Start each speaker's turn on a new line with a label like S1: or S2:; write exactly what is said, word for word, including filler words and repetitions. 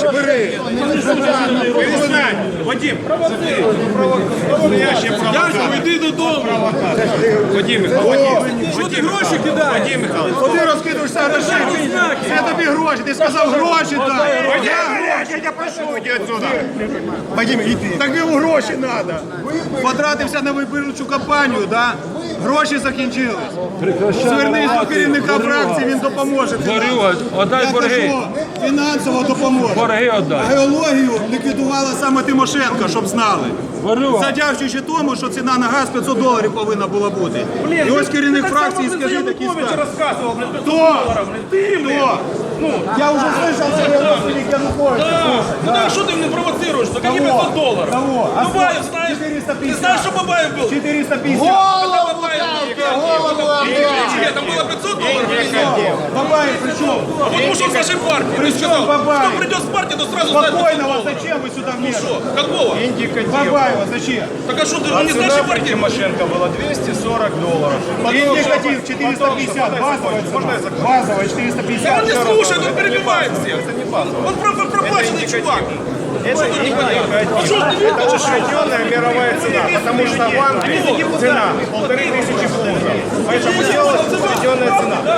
S1: гроші, бери.
S2: Перестань, Вадим, настоящий провокатор.
S3: Йди додому.
S2: Вадим Михайлович,
S3: Що ти гроші кидаєш?
S2: Вадим Михайлович,
S1: Куди розкидуєшся грошей? Це тобі гроші, ти сказав гроші дай.
S2: Вадим, я тебя прошу, иди отсюда.
S1: Вадим, іди. Так йому гроші треба. Потратився на виборчу кампанію, да? Гроші закінчились. Звернись до керівника фракції, він допоможе.
S3: Горюга, отдай
S1: Я
S3: борги.
S1: кажу, фінансово допоможе.
S3: Борги отдай.
S1: Геологію ліквідувала саме Тимошенко, щоб знали.
S3: Горюга.
S1: Задячуючи тому, що ціна на газ п'ятсот доларів повинна була бути. І ось керівник фракції, скажи такі скажи.
S2: рассказывал, блин,
S1: Хто? Ты, Хто? Ну, я уже слышал, что я родственник Януковича.
S3: Ну так що ти мене провоцируєш? За какие пятьсот долларов?
S1: Кого? А
S3: Бабаев,
S1: сколько?
S3: знаешь?
S1: четыреста
S3: Ты
S1: пятьдесят.
S3: знаешь, что Бабаев был?
S1: четыреста пятьдесят.
S3: Когда Бабаев был? Нет, там было пятьсот долларов или нет?
S1: Бабаев, при чем?
S3: А вот ушел с нашей партии. Ты сказал,
S1: Бабаев?
S3: кто придет с партии, то сразу знает пятьсот
S1: Спокойного,
S3: долларов.
S1: зачем вы сюда
S3: Что?
S1: вмешиваетесь?
S3: Какого?
S1: Бабаева, зачем?
S3: Так а что, ты не с нашей партии?
S2: Тимошенко было двести сорок долларов.
S1: Индикатив четыреста пятьдесят, базовая цена. Базовая четыреста
S3: Да
S1: пятьдесят.
S3: он не слушает, он перебивает всех. Он про- проплаченный чувак.
S2: Это не
S3: А что ты не
S2: Это ушатенная мировая цена, потому что в Англии цена полторы тысячи фунтов. Поэтому делалась ушатенная цена.